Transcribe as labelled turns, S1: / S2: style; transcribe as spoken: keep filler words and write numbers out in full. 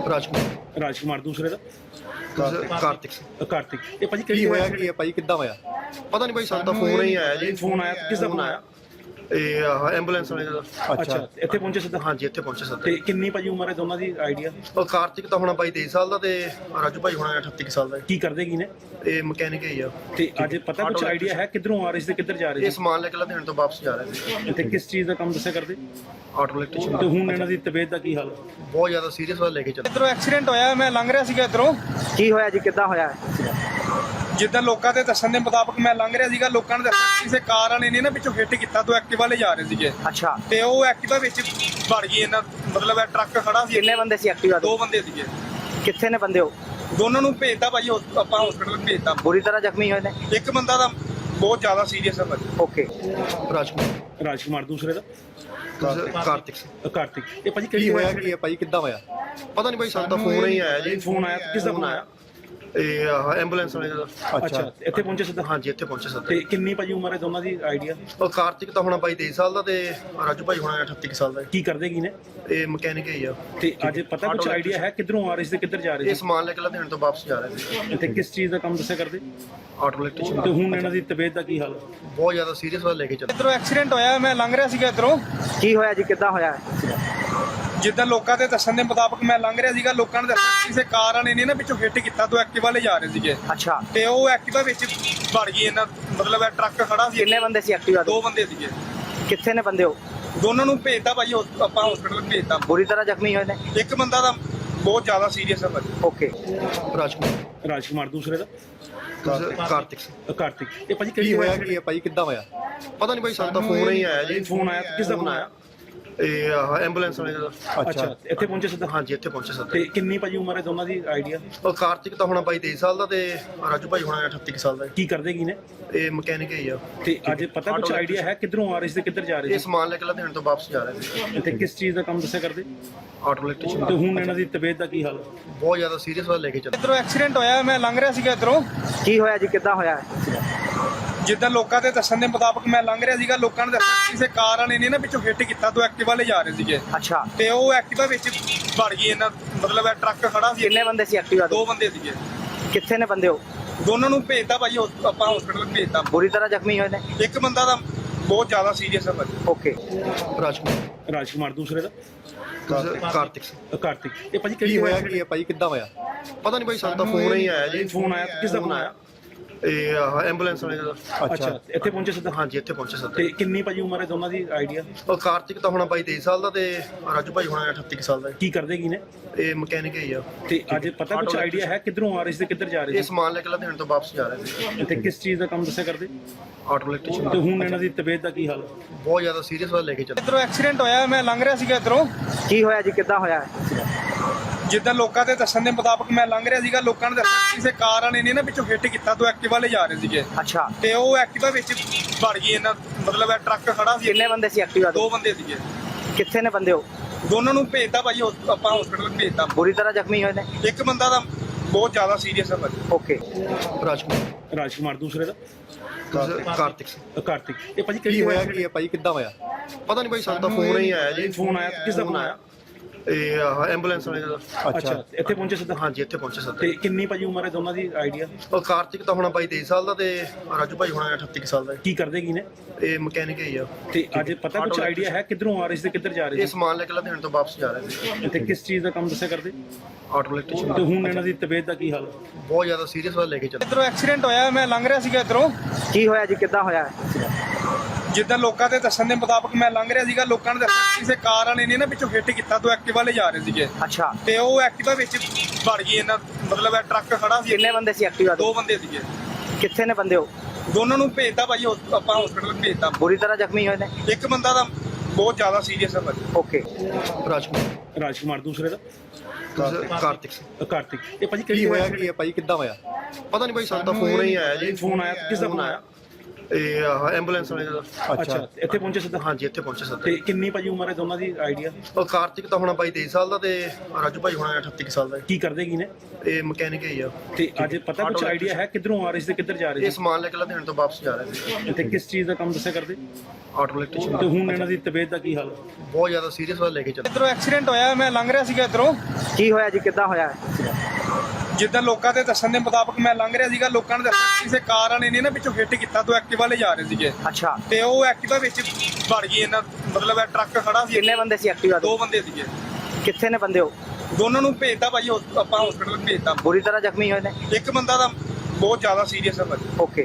S1: ਰਾਜਕੁਮਾਰ
S2: ਰਾਜਕੁਮਾਰ ਦੂਸਰੇ ਦਾ
S1: ਦੂਸਰਾ ਕਾਰਤਿਕ ਸਿੰਘ।
S2: ਕਾਰਤਿਕ। ਇਹ ਭਾਜੀ
S1: ਕੀ
S2: ਕਿਹੜੀ
S1: ਹੋਇਆ ਕੀ ਹੈ ਭਾਈ, ਕਿੱਦਾਂ ਹੋਇਆ? ਪਤਾ ਨਹੀਂ ਭਾਈ, ਸਾਨੂੰ ਤਾਂ ਫੋਨ ਹੀ ਆਇਆ ਜੀ।
S2: ਫੋਨ ਆਇਆ, ਕਿਸ ਦਾ ਫੋਨ ਆਇਆ?
S1: ਇਹ ਆਹ ਐਂਬੂਲੈਂਸ ਵਾਲੇ ਦਾ।
S2: ਅੱਛਾ, ਇੱਥੇ ਪਹੁੰਚੇ ਸਿੱਧਾ?
S1: ਹਾਂਜੀ, ਇੱਥੇ ਪਹੁੰਚੇ ਸਰ।
S2: ਤੇ ਕਿੰਨੀ ਭਾਜੀ ਉਮਰ ਹੈ ਦੋਨਾਂ ਦੀ ਆਈਡੀਆ?
S1: ਉਹ ਕਾਰਤਿਕ ਤਾਂ ਹੋਣਾ ਬਾਈ ਤੇਈ ਸਾਲ ਦਾ, ਤੇ ਰਾਜੂ ਭਾਈ ਹੋਣਾ ਅਠੱਤੀ ਕੁ ਸਾਲ ਦਾ।
S2: ਕੀ ਕਰਦੇ ਕੀ ਨੇ?
S1: ਇਹ ਮਕੈਨਿਕ ਹੀ ਆ।
S2: ਤੇ ਅੱਜ ਪਤਾ ਕੁਝ ਆਈਡੀਆ ਹੈ ਕਿੱਧਰੋਂ ਆ ਰਹੇ ਸੀ ਤੇ ਕਿੱਧਰ ਜਾ ਰਹੇ
S1: ਇਹ
S2: ਸੀ?
S1: ਸਮਾਨ ਲੈ ਕੇ ਲੁਧਿਆਣੇ ਤੋਂ ਵਾਪਸ ਜਾ ਰਹੇ ਸੀ।
S2: ਤੇ ਕਿਸ ਚੀਜ਼ ਦਾ ਕੰਮ ਦੱਸਿਆ ਕਰਦੇ?
S1: Auto electrician.
S2: ਤੇ ਹੁਣ ਇਹਨਾਂ ਦੀ ਤਬੀਅਤ ਦਾ ਕੀ ਹਾਲ ਹੈ?
S1: ਬਹੁਤ ਜ਼ਿਆਦਾ ਸੀਰੀਅਸ ਵਾਲਾ ਲੈ ਕੇ ਚੱਲੇ।
S3: ਇਧਰੋਂ ਐਕਸੀਡੈਂਟ ਹੋਇਆ, ਮੈਂ ਲੰਘ ਰਿਹਾ ਸੀਗਾ ਇਧਰੋਂ।
S4: ਕੀ ਹੋਇਆ ਜੀ, ਕਿੱਦਾਂ ਹੋਇਆ?
S3: ਜਿੱਦਾਂ ਲੋਕਾਂ ਦੇ ਦੱਸਣ ਦੇ ਮੁਤਾਬਕ ਮੈਂ ਲੰਘ ਰਿਹਾ ਸੀਗਾ, ਲੋਕਾਂ ਨੇ ਦੱਸਿਆ ਕਿਸੇ ਕਾਰ ਵਾਲੇ ਨੇ ਨਾ ਪਿੱਛੋਂ ਹਿੱਟ ਕੀਤਾ, ਤੋਂ ਐਕਟਿਵਾ ਲੈ ਜਾ ਰਹੇ ਸੀਗੇ।
S4: ਅੱਛਾ,
S3: ਤੇ ਉਹ ਐਕਟਿਵਾ ਵਿੱਚ ਵੜ ਗਈ ਇਹਨਾਂ, ਮਤਲਬ ਇਹ ਟਰੱਕ ਖੜਾ ਸੀ।
S4: ਕਿੰਨੇ ਬੰਦੇ ਸੀ ਐਕਟਿਵਾ
S3: ਦੋ
S4: ਤੋਂ?
S3: ਬੰਦੇ ਸੀਗੇ।
S4: ਕਿੱਥੇ ਨੇ ਬੰਦੇ? ਉਹ
S3: ਦੋਨਾਂ ਨੂੰ ਭੇਜਤਾ ਭਾਜੀ, ਹੌਸ- ਆਪਾਂ ਹਸਪੀਟਲ ਭੇਜਤਾ।
S4: ਬੁਰੀ ਤਰ੍ਹਾਂ ਜ਼ਖਮੀ ਹੋਏ ਨੇ?
S3: ਇੱਕ ਬੰਦਾ ਤਾਂ ਬਹੁਤ ਜ਼ਿਆਦਾ ਸੀਰੀਅਸ ਹੈ ਭਾਜੀ।
S4: ਓਕੇ।
S1: ਰਾਜਕੁਮਾਰ
S2: ਰਾਜਕੁਮਾਰ ਦੂਸਰੇ ਦਾ
S1: ਦੂਸਰਾ ਕਾਰਤਿਕ ਸਿੰਘ।
S2: ਕਾਰਤਿਕ। ਇਹ ਭਾਜੀ
S1: ਕੀ
S2: ਕਿਹੜੀ
S1: ਹੋਇਆ ਕੀ ਹੈ ਭਾਈ, ਕਿੱਦਾਂ ਹੋਇਆ? ਪਤਾ ਨਹੀਂ ਭਾਈ, ਸਾਨੂੰ ਤਾਂ ਫੋਨ ਹੀ ਆਇਆ ਜੀ।
S2: ਫੋਨ ਆਇਆ, ਕਿਸ ਦਾ ਫੋਨ ਆਇਆ?
S1: ਇਹ ਆਹ ਐਂਬੂਲੈਂਸ ਵਾਲੇ ਦਾ।
S2: ਅੱਛਾ, ਇੱਥੇ ਪਹੁੰਚੇ ਸਿੱਧਾ?
S1: ਹਾਂਜੀ, ਇੱਥੇ ਪਹੁੰਚੇ ਸਰ।
S2: ਤੇ ਕਿੰਨੀ ਭਾਜੀ ਉਮਰ ਹੈ ਦੋਨਾਂ ਦੀ ਆਈਡੀਆ?
S1: ਉਹ ਕਾਰਤਿਕ ਤਾਂ ਹੋਣਾ ਬਾਈ ਤੇਈ ਸਾਲ ਦਾ, ਤੇ ਰਾਜੂ ਭਾਈ ਹੋਣਾ ਅਠੱਤੀ ਕੁ ਸਾਲ ਦਾ।
S2: ਕੀ ਕਰਦੇ ਕੀ ਨੇ?
S1: ਇਹ ਮਕੈਨਿਕ ਹੀ ਆ।
S2: ਤੇ ਅੱਜ ਪਤਾ ਕੁਝ ਆਈਡੀਆ ਹੈ ਕਿੱਧਰੋਂ ਆ ਰਹੇ ਸੀ ਤੇ ਕਿੱਧਰ ਜਾ ਰਹੇ
S1: ਇਹ
S2: ਸੀ?
S1: ਸਮਾਨ ਲੈ ਕੇ ਲੁਧਿਆਣੇ ਤੋਂ ਵਾਪਸ ਜਾ ਰਹੇ ਸੀ।
S2: ਤੇ ਕਿਸ ਚੀਜ਼ ਦਾ ਕੰਮ ਦੱਸਿਆ ਕਰਦੇ?
S1: Auto electrician.
S2: ਤੇ ਹੁਣ ਇਹਨਾਂ ਦੀ ਤਬੀਅਤ ਦਾ ਕੀ ਹਾਲ ਹੈ?
S1: ਬਹੁਤ ਜ਼ਿਆਦਾ ਸੀਰੀਅਸ ਵਾਲਾ ਲੈ ਕੇ ਚੱਲੇ।
S3: ਇਧਰੋਂ ਐਕਸੀਡੈਂਟ ਹੋਇਆ, ਮੈਂ ਲੰਘ ਰਿਹਾ ਸੀਗਾ ਇਧਰੋਂ।
S4: ਕੀ ਹੋਇਆ ਜੀ, ਕਿੱਦਾਂ ਹੋਇਆ?
S3: ਜਿੱਦਾਂ ਲੋਕਾਂ ਦੇ ਦੱਸਣ ਦੇ ਮੁਤਾਬਕ ਮੈਂ ਲੰਘ ਰਿਹਾ ਸੀਗਾ, ਲੋਕਾਂ ਨੇ ਦੱਸਿਆ ਕਿਸੇ ਕਾਰ ਵਾਲੇ ਨੇ ਨਾ ਪਿੱਛੋਂ ਹਿੱਟ ਕੀਤਾ, ਤੋਂ ਐਕਟਿਵਾ ਲੈ ਜਾ ਰਹੇ ਸੀਗੇ।
S4: ਅੱਛਾ,
S3: ਤੇ ਉਹ ਐਕਟਿਵਾ ਵਿੱਚ ਵੜ ਗਈ ਇਹਨਾਂ, ਮਤਲਬ ਇਹ ਟਰੱਕ ਖੜਾ ਸੀ।
S4: ਕਿੰਨੇ ਬੰਦੇ ਸੀ ਐਕਟਿਵਾ ਤੋਂ?
S3: ਦੋ ਬੰਦੇ ਸੀਗੇ।
S4: ਕਿੱਥੇ ਨੇ ਬੰਦੇ? ਉਹ
S3: ਦੋਨਾਂ ਨੂੰ ਭੇਜਤਾ ਭਾਜੀ, ਹੌਸ- ਆਪਾਂ ਹਸਪੀਟਲ ਭੇਜਤਾ।
S4: ਬੁਰੀ ਤਰ੍ਹਾਂ ਜ਼ਖਮੀ ਹੋਏ ਨੇ?
S3: ਇੱਕ ਬੰਦਾ ਤਾਂ ਬਹੁਤ ਜ਼ਿਆਦਾ ਸੀਰੀਅਸ ਹੈ ਭਾਜੀ।
S4: ਓਕੇ।
S1: ਰਾਜਕੁਮਾਰ
S2: ਰਾਜਕੁਮਾਰ ਦੂਸਰੇ ਦਾ
S1: ਦੂਸਰਾ ਕਾਰਤਿਕ ਸਿੰਘ।
S2: ਕਾਰਤਿਕ। ਇਹ ਭਾਜੀ
S1: ਕੀ
S2: ਕਿਹੜੀ
S1: ਹੋਇਆ ਕੀ ਹੈ ਭਾਈ, ਕਿੱਦਾਂ ਹੋਇਆ? ਪਤਾ ਨਹੀਂ ਭਾਈ, ਸਾਨੂੰ ਤਾਂ ਫੋਨ ਹੀ ਆਇਆ ਜੀ।
S2: ਫੋਨ ਆਇਆ, ਕਿਸ ਦਾ ਫੋਨ ਆਇਆ?
S1: ਇਹ ਆਹ ਐਂਬੂਲੈਂਸ ਵਾਲੇ ਦਾ।
S2: ਅੱਛਾ, ਇੱਥੇ ਪਹੁੰਚੇ ਸਿੱਧਾ?
S1: ਹਾਂਜੀ, ਇੱਥੇ ਪਹੁੰਚੇ ਸਰ।
S2: ਤੇ ਕਿੰਨੀ ਭਾਜੀ ਉਮਰ ਹੈ ਦੋਨਾਂ ਦੀ ਆਈਡੀਆ?
S1: ਉਹ ਕਾਰਤਿਕ ਤਾਂ ਹੋਣਾ ਬਾਈ ਤੇਈ ਸਾਲ ਦਾ, ਤੇ ਰਾਜੂ ਭਾਈ ਹੋਣਾ ਅਠੱਤੀ ਕੁ ਸਾਲ ਦਾ।
S2: ਕੀ ਕਰਦੇ ਕੀ ਨੇ?
S1: ਇਹ ਮਕੈਨਿਕ ਹੀ ਆ।
S2: ਤੇ ਅੱਜ ਪਤਾ ਕੁਝ ਆਈਡੀਆ ਹੈ ਕਿੱਧਰੋਂ ਆ ਰਹੇ ਸੀ ਤੇ ਕਿੱਧਰ ਜਾ ਰਹੇ
S1: ਇਹ
S2: ਸੀ?
S1: ਸਮਾਨ ਲੈ ਕੇ ਲੁਧਿਆਣੇ ਤੋਂ ਵਾਪਸ ਜਾ ਰਹੇ ਸੀ।
S2: ਤੇ ਕਿਸ ਚੀਜ਼ ਦਾ ਕੰਮ ਦੱਸਿਆ ਕਰਦੇ?
S1: Auto electrician.
S2: ਤੇ ਹੁਣ ਇਹਨਾਂ ਦੀ ਤਬੀਅਤ ਦਾ ਕੀ ਹਾਲ ਹੈ?
S1: ਬਹੁਤ ਜ਼ਿਆਦਾ ਸੀਰੀਅਸ ਵਾਲਾ ਲੈ ਕੇ ਚੱਲੇ।
S3: ਇਧਰੋਂ ਐਕਸੀਡੈਂਟ ਹੋਇਆ, ਮੈਂ ਲੰਘ ਰਿਹਾ ਸੀਗਾ ਇਧਰੋਂ।
S4: ਕੀ ਹੋਇਆ ਜੀ, ਕਿੱਦਾਂ ਹੋਇਆ?
S3: ਜਿੱਦਾਂ ਲੋਕਾਂ ਦੇ ਦੱਸਣ ਦੇ ਮੁਤਾਬਕ ਮੈਂ ਲੰਘ ਰਿਹਾ ਸੀਗਾ, ਲੋਕਾਂ ਨੇ ਦੱਸਿਆ ਕਿਸੇ ਕਾਰ ਵਾਲੇ ਨੇ ਨਾ ਪਿੱਛੋਂ ਹਿੱਟ ਕੀਤਾ, ਤੋਂ ਐਕਟਿਵਾ ਲੈ ਜਾ ਰਹੇ ਸੀਗੇ।
S4: ਅੱਛਾ,
S3: ਤੇ ਉਹ ਐਕਟਿਵਾ ਵਿੱਚ ਵੜ ਗਈ ਇਹਨਾਂ, ਮਤਲਬ ਇਹ ਟਰੱਕ ਖੜਾ ਸੀ।
S4: ਕਿੰਨੇ ਬੰਦੇ ਸੀ ਐਕਟਿਵਾ ਤੋਂ?
S3: ਦੋ ਬੰਦੇ ਸੀਗੇ।
S4: ਕਿੱਥੇ ਨੇ ਬੰਦੇ? ਉਹ
S3: ਦੋਨਾਂ ਨੂੰ ਭੇਜਤਾ ਭਾਜੀ, ਹੌਸ- ਆਪਾਂ ਹਸਪੀਟਲ ਭੇਜਤਾ।
S4: ਬੁਰੀ ਤਰ੍ਹਾਂ ਜ਼ਖਮੀ ਹੋਏ ਨੇ?
S3: ਇੱਕ ਬੰਦਾ ਤਾਂ ਬਹੁਤ ਜ਼ਿਆਦਾ ਸੀਰੀਅਸ ਹੈ ਭਾਜੀ।
S4: ਓਕੇ।
S1: ਰਾਜਕੁਮਾਰ
S2: ਰਾਜਕੁਮਾਰ ਦੂਸਰੇ ਦਾ
S1: ਦੂਸਰਾ ਕਾਰਤਿਕ ਸਿੰਘ।
S2: ਕਾਰਤਿਕ। ਇਹ ਭਾਜੀ
S1: ਕੀ
S2: ਕਿਹੜੀ
S1: ਹੋਇਆ ਕੀ ਹੈ ਭਾਈ, ਕਿੱਦਾਂ ਹੋਇਆ? ਪਤਾ ਨਹੀਂ ਭਾਈ, ਸਾਨੂੰ ਤਾਂ ਫੋਨ ਹੀ ਆਇਆ ਜੀ।
S2: ਫੋਨ ਆਇਆ, ਕਿਸ ਦਾ ਫੋਨ ਆਇਆ?
S1: ਇਹ ਆਹ ਐਂਬੂਲੈਂਸ ਵਾਲੇ ਦਾ।
S2: ਅੱਛਾ, ਇੱਥੇ ਪਹੁੰਚੇ ਸਿੱਧਾ?
S1: ਹਾਂਜੀ, ਇੱਥੇ ਪਹੁੰਚੇ ਸਰ।
S2: ਤੇ ਕਿੰਨੀ ਭਾਜੀ ਉਮਰ ਹੈ ਦੋਨਾਂ ਦੀ ਆਈਡੀਆ?
S1: ਉਹ ਕਾਰਤਿਕ ਤਾਂ ਹੋਣਾ ਬਾਈ ਤੇਈ ਸਾਲ ਦਾ, ਤੇ ਰਾਜੂ ਭਾਈ ਹੋਣਾ ਅਠੱਤੀ ਕੁ ਸਾਲ ਦਾ।
S2: ਕੀ ਕਰਦੇ ਕੀ ਨੇ?
S1: ਇਹ ਮਕੈਨਿਕ ਹੀ ਆ।
S2: ਤੇ ਅੱਜ ਪਤਾ ਕੁਝ ਆਈਡੀਆ ਹੈ ਕਿੱਧਰੋਂ ਆ ਰਹੇ ਸੀ ਤੇ ਕਿੱਧਰ ਜਾ ਰਹੇ
S1: ਇਹ
S2: ਸੀ?
S1: ਸਮਾਨ ਲੈ ਕੇ ਲੁਧਿਆਣੇ ਤੋਂ ਵਾਪਸ ਜਾ ਰਹੇ ਸੀ।
S2: ਤੇ ਕਿਸ ਚੀਜ਼ ਦਾ ਕੰਮ ਦੱਸਿਆ ਕਰਦੇ?
S1: Auto electrician.
S2: ਤੇ ਹੁਣ ਇਹਨਾਂ ਦੀ ਤਬੀਅਤ ਦਾ ਕੀ ਹਾਲ ਹੈ?
S1: ਬਹੁਤ ਜ਼ਿਆਦਾ ਸੀਰੀਅਸ ਵਾਲਾ ਲੈ ਕੇ ਚੱਲੇ।
S3: ਇਧਰੋਂ ਐਕਸੀਡੈਂਟ ਹੋਇਆ, ਮੈਂ ਲੰਘ ਰਿਹਾ ਸੀਗਾ ਇਧਰੋਂ।
S4: ਕੀ ਹੋਇਆ ਜੀ, ਕਿੱਦਾਂ ਹੋਇਆ?
S3: ਜਿੱਦਾਂ ਲੋਕਾਂ ਦੇ ਦੱਸਣ ਦੇ ਮੁਤਾਬਕ ਮੈਂ ਲੰਘ ਰਿਹਾ ਸੀਗਾ, ਲੋਕਾਂ ਨੇ ਦੱਸਿਆ ਕਿਸੇ ਕਾਰ ਵਾਲੇ ਨੇ ਨਾ ਪਿੱਛੋਂ ਹਿੱਟ ਕੀਤਾ, ਤੋਂ ਐਕਟਿਵਾ ਲੈ ਜਾ ਰਹੇ ਸੀਗੇ।
S4: ਅੱਛਾ,
S3: ਤੇ ਉਹ ਐਕਟਿਵਾ ਵਿੱਚ ਵੜ ਗਈ ਇਹਨਾਂ, ਮਤਲਬ ਇਹ ਟਰੱਕ ਖੜਾ ਸੀ।
S4: ਕਿੰਨੇ ਬੰਦੇ ਸੀ ਐਕਟਿਵਾ ਤੋਂ?
S3: ਦੋ ਬੰਦੇ ਸੀਗੇ।
S4: ਕਿੱਥੇ ਨੇ ਬੰਦੇ? ਉਹ
S3: ਦੋਨਾਂ ਨੂੰ ਭੇਜਤਾ ਭਾਜੀ, ਹੌਸ- ਆਪਾਂ ਹਸਪੀਟਲ ਭੇਜਤਾ।
S4: ਬੁਰੀ ਤਰ੍ਹਾਂ ਜ਼ਖਮੀ ਹੋਏ ਨੇ?
S3: ਇੱਕ ਬੰਦਾ ਤਾਂ ਬਹੁਤ ਜ਼ਿਆਦਾ ਸੀਰੀਅਸ ਹੈ ਭਾਜੀ।
S4: ਓਕੇ।
S1: ਰਾਜਕੁਮਾਰ
S2: ਰਾਜਕੁਮਾਰ ਦੂਸਰੇ ਦਾ
S1: ਦੂਸਰਾ ਕਾਰਤਿਕ ਸਿੰਘ।
S2: ਕਾਰਤਿਕ। ਇਹ ਭਾਜੀ
S1: ਕੀ
S2: ਕਿਹੜੀ?
S1: ਹੋਇਆ ਕੀ ਹੈ ਭਾਈ, ਕਿੱਦਾਂ ਹੋਇਆ? ਪਤਾ ਨਹੀਂ ਭਾਈ, ਸਾਨੂੰ ਤਾਂ ਫੋਨ ਹੀ ਆਇਆ ਜੀ। ਫੋਨ ਆਇਆ, ਕਿਸ ਦਾ ਫੋਨ ਆਇਆ? ਇਹ ਸਮਾਨ ਲੈ ਕੇ ਲੁਧਿਆਣੇ ਤੋਂ ਵਾਪਸ ਜਾ ਰਹੇ ਸੀ। ਇਹ ਸਮਾਨ ਲੈ ਕੇ ਲੁਧਿਆਣੇ ਤੋਂ ਵਾਪਸ ਜਾ ਰਹੇ ਸੀ। ਇੱਕ ਬੰਦਾ ਤਾਂ ਬਹੁਤ ਜ਼ਿਆਦਾ ਸੀਰੀਅਸ ਵਾਲਾ ਲੈ ਕੇ ਚੱਲੇ।
S2: ਤੇ ਅੱਜ ਪਤਾ ਕੁਝ ਆਈਡੀਆ ਹੈ ਕਿੱਧਰੋਂ ਆ ਰਹੇ ਸੀ ਤੇ ਕਿੱਧਰ ਜਾ ਰਹੇ ਸੀ?
S1: ਪਤਾ ਨਹੀਂ ਭਾਈ, ਸਾਨੂੰ ਤਾਂ ਫੋਨ ਹੀ ਆਇਆ ਜੀ। ਫੋਨ ਆਇਆ, ਕਿਸ ਦਾ ਫੋਨ ਆਇਆ? ਇਹ ਆਹ ਐਂਬੂਲੈਂਸ ਵਾਲੇ ਦਾ।
S2: ਅੱਛਾ, ਇੱਥੇ ਪਹੁੰਚੇ ਸਿੱਧਾ?
S1: ਹਾਂਜੀ, ਇੱਥੇ ਪਹੁੰਚੇ ਸਰ।
S2: ਤੇ ਕਿੰਨੀ ਭਾਜੀ ਉਮਰ ਹੈ ਦੋਨਾਂ ਦੀ ਆਈਡੀਆ?
S1: ਉਹ ਕਾਰਤਿਕ ਤਾਂ ਹੋਣਾ ਬਾਈ ਤੇਈ ਸਾਲ ਦਾ, ਤੇ ਰਾਜੂ ਭਾਈ ਹੋਣਾ ਅਠੱਤੀ ਕੁ ਸਾਲ ਦਾ।
S2: ਕੀ ਕਰਦੇ ਕੀ ਨੇ?
S1: ਇਹ ਮਕੈਨਿਕ ਹੀ ਆ।
S2: ਤੇ ਅੱਜ ਪਤਾ ਕੁਝ ਆਈਡੀਆ ਹੈ ਕਿੱਧਰੋਂ ਆ ਰਹੇ ਸੀ ਤੇ ਕਿੱਧਰ ਜਾ ਰਹੇ
S1: ਇਹ
S2: ਸੀ?
S1: ਸਮਾਨ ਲੈ ਕੇ ਲੁਧਿਆਣੇ ਤੋਂ ਵਾਪਸ ਜਾ ਰਹੇ ਸੀ।
S2: ਤੇ ਕਿਸ ਚੀਜ਼ ਦਾ ਕੰਮ ਦੱਸਿਆ ਕਰਦੇ?
S1: Auto electrician.
S2: ਤੇ ਹੁਣ ਇਹਨਾਂ ਦੀ ਤਬੀਅਤ ਦਾ ਕੀ ਹਾਲ ਹੈ?
S1: ਬਹੁਤ ਜ਼ਿਆਦਾ ਸੀਰੀਅਸ ਵਾਲਾ ਲੈ ਕੇ ਚੱਲੇ।
S3: ਇਧਰੋਂ ਐਕਸੀਡੈਂਟ ਹੋਇਆ, ਮੈਂ ਲੰਘ ਰਿਹਾ ਸੀਗਾ ਇਧਰੋਂ।
S4: ਕੀ ਹੋਇਆ ਜੀ, ਕਿੱਦਾਂ ਹੋਇਆ?
S3: ਜਿੱਦਾਂ ਲੋਕਾਂ ਦੇ ਦੱਸਣ ਦੇ ਮੁਤਾਬਕ ਮੈਂ ਲੰਘ ਰਿਹਾ ਸੀਗਾ, ਲੋਕਾਂ ਨੇ ਦੱਸਿਆ ਕਿਸੇ ਕਾਰ ਵਾਲੇ ਨੇ ਨਾ ਪਿੱਛੋਂ ਹਿੱਟ ਕੀਤਾ, ਤੋਂ ਐਕਟਿਵਾ ਲੈ ਜਾ ਰਹੇ ਸੀਗੇ।
S4: ਅੱਛਾ,
S3: ਤੇ ਉਹ ਐਕਟਿਵਾ ਵਿੱਚ ਵੜ ਗਈ ਇਹਨਾਂ, ਮਤਲਬ ਇਹ ਟਰੱਕ ਖੜਾ ਸੀ।
S4: ਕਿੰਨੇ ਬੰਦੇ ਸੀ ਐਕਟਿਵਾ ਤੋਂ?
S3: ਦੋ ਬੰਦੇ ਸੀਗੇ।
S4: ਕਿੱਥੇ ਨੇ ਬੰਦੇ? ਉਹ
S3: ਦੋਨਾਂ ਨੂੰ ਭੇਜਤਾ ਭਾਜੀ, ਹੌਸ- ਆਪਾਂ ਹਸਪੀਟਲ ਭੇਜਤਾ।
S4: ਬੁਰੀ ਤਰ੍ਹਾਂ ਜ਼ਖਮੀ ਹੋਏ ਨੇ?
S3: ਇੱਕ ਬੰਦਾ ਤਾਂ ਬਹੁਤ ਜ਼ਿਆਦਾ ਸੀਰੀਅਸ ਹੈ ਭਾਜੀ।
S4: ਓਕੇ।
S1: ਰਾਜਕੁਮਾਰ
S2: ਰਾਜਕੁਮਾਰ ਦੂਸਰੇ ਦਾ
S1: ਦੂਸਰਾ ਕਾਰਤਿਕ ਸਿੰਘ।
S2: ਕਾਰਤਿਕ। ਇਹ ਭਾਜੀ
S1: ਕੀ
S2: ਕਿਹੜੀ?
S1: ਹੋਇਆ ਕੀ ਹੈ ਭਾਈ, ਕਿੱਦਾਂ ਹੋਇਆ? ਪਤਾ ਨਹੀਂ ਭਾਈ, ਸਾਨੂੰ ਤਾਂ ਫੋਨ ਹੀ ਆਇਆ ਜੀ।
S2: ਫੋਨ ਆਇਆ, ਕਿਸ ਦਾ ਫੋਨ ਆਇਆ?
S1: ਇਹ ਆਹ ਐਂਬੂਲੈਂਸ ਵਾਲੇ ਦਾ
S2: ਅੱਛਾ ਇੱਥੇ ਪਹੁੰਚੇ ਸਿੱਧਾ
S1: ਹਾਂਜੀ ਇੱਥੇ ਪਹੁੰਚੇ ਸਰ
S2: ਤੇ ਕਿੰਨੀ ਭਾਜੀ ਉਮਰ ਹੈ ਦੋਨਾਂ ਦੀ ਆਈਡੀਆ
S1: ਉਹ ਕਾਰਤਿਕ ਤਾਂ ਹੋਣਾ ਬਾਈ ਤੇਈ ਸਾਲ ਦਾ ਤੇ ਰਾਜੂ ਭਾਈ ਹੋਣਾ ਅਠੱਤੀ ਕੁ ਸਾਲ ਦਾ
S2: ਕੀ ਕਰਦੇ ਕੀ ਨੇ
S1: ਇਹ ਮਕੈਨਿਕ ਹੀ ਆ
S2: ਤੇ ਅੱਜ ਪਤਾ ਕੁਝ ਆਈਡੀਆ ਹੈ ਕਿੱਧਰੋਂ ਆ ਰਹੇ ਸੀ ਤੇ ਕਿੱਧਰ ਜਾ ਰਹੇ
S1: ਇਹ
S2: ਸੀ
S1: ਸਮਾਨ ਲੈ ਕੇ ਲੁਧਿਆਣੇ ਤੋਂ ਵਾਪਸ ਜਾ ਰਹੇ ਸੀ
S2: ਤੇ ਕਿਸ ਚੀਜ਼ ਦਾ ਕੰਮ ਦੱਸਿਆ ਕਰਦੇ
S1: ਆਟੋ ਇਲੈਕਟ੍ਰੀਸ਼ੀਅਨ
S2: ਤੇ ਹੁਣ ਇਹਨਾਂ ਦੀ ਤਬੀਅਤ ਦਾ ਕੀ ਹਾਲ ਹੈ
S1: ਬਹੁਤ ਜ਼ਿਆਦਾ ਸੀਰੀਅਸ ਵਾਲਾ ਲੈ ਕੇ ਚੱਲੇ
S3: ਇਧਰੋਂ ਐਕਸੀਡੈਂਟ ਹੋਇਆ ਮੈਂ ਲੰਘ ਰਿਹਾ ਸੀਗਾ ਇਧਰੋਂ
S4: ਕੀ ਹੋਇਆ ਜੀ ਕਿੱਦਾਂ ਹੋਇਆ
S3: ਜਿੱਦਾਂ ਲੋਕਾਂ ਦੇ ਦੱਸਣ ਦੇ ਮੁਤਾਬਕ ਮੈਂ ਲੰਘ ਰਿਹਾ ਸੀਗਾ ਲੋਕਾਂ ਨੇ ਦੱਸਿਆ ਕਿਸੇ ਕਾਰ ਵਾਲੇ ਨੇ ਨਾ ਪਿੱਛੋਂ ਹਿੱਟ ਕੀਤਾ ਦੋ ਐਕਟਿਵਾ ਲੈ ਜਾ ਰਹੇ ਸੀਗੇ
S4: ਅੱਛਾ
S3: ਤੇ ਉਹ ਐਕਟਿਵਾ ਵਿੱਚ ਵੜ ਗਈ ਇਹਨਾਂ ਮਤਲਬ ਇਹ ਟਰੱਕ ਖੜਾ ਸੀ
S4: ਕਿੰਨੇ ਬੰਦੇ ਸੀ ਐਕਟਿਵਾ
S3: ਦੋ
S4: ਤੋਂ
S3: ਬੰਦੇ ਸੀਗੇ
S4: ਕਿੱਥੇ ਨੇ ਬੰਦੇ ਉਹ
S3: ਦੋਨਾਂ ਨੂੰ ਭੇਜਤਾ ਭਾਜੀ ਹੌਸ- ਆਪਾਂ ਹਸਪੀਟਲ ਭੇਜਤਾ
S4: ਬੁਰੀ ਤਰ੍ਹਾਂ ਜ਼ਖਮੀ ਹੋਏ ਨੇ
S3: ਇੱਕ ਬੰਦਾ ਤਾਂ ਬਹੁਤ ਜ਼ਿਆਦਾ ਸੀਰੀਅਸ ਹੈ ਭਾਜੀ
S4: ਓਕੇ